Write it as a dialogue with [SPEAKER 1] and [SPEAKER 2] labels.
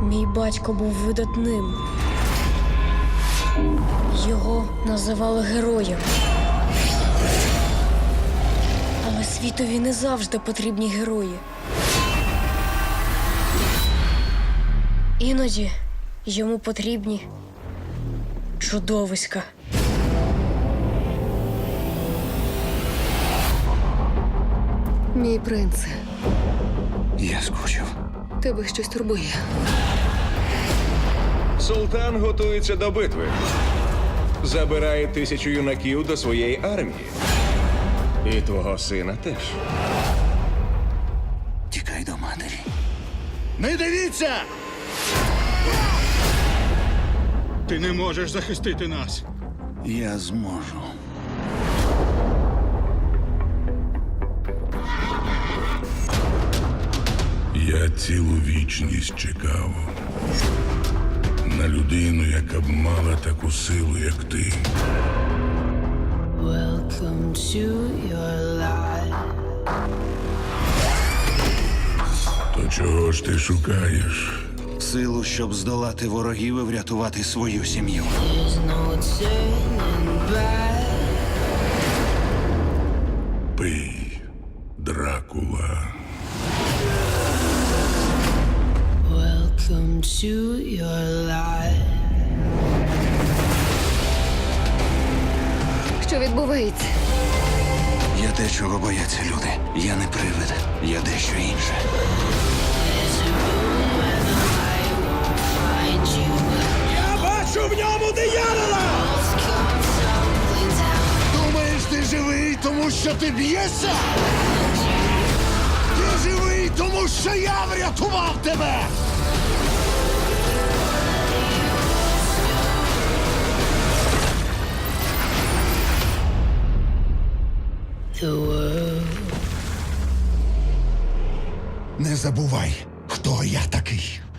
[SPEAKER 1] Мій батько був видатним. Його називали героєм. Але світові не завжди потрібні герої. Іноді йому потрібні чудовиська.
[SPEAKER 2] Мій принце,
[SPEAKER 3] Я скучив.
[SPEAKER 2] тебе щось турбує.
[SPEAKER 4] Султан готується до битви. Забирає 1000 юнаків до своєї армії. І твого сина теж.
[SPEAKER 3] Тікай до матері. Не дивіться!
[SPEAKER 5] Ти не можеш захистити нас.
[SPEAKER 3] Я зможу.
[SPEAKER 6] Я цілу вічність чекав на людину, яка б мала таку силу, як ти.
[SPEAKER 7] Welcome to your life.
[SPEAKER 6] То чого ж ти шукаєш?
[SPEAKER 3] Силу, щоб здолати ворогів і врятувати свою сім'ю.
[SPEAKER 7] There's no turning back.
[SPEAKER 6] Пий, Дракула.
[SPEAKER 7] Welcome to your life.
[SPEAKER 2] Що відбувається?
[SPEAKER 3] Я те, чого бояться люди. Я не привид. Я дещо інше.
[SPEAKER 7] There's a room where the light won't find you.
[SPEAKER 4] Я бачу в ньому диявола!
[SPEAKER 7] Walls come tumbling down.
[SPEAKER 3] Думаєш, ти живий, тому що ти б'єшся? Ти живий, тому що я врятував тебе!
[SPEAKER 7] The world
[SPEAKER 3] Не забувай, хто я такий.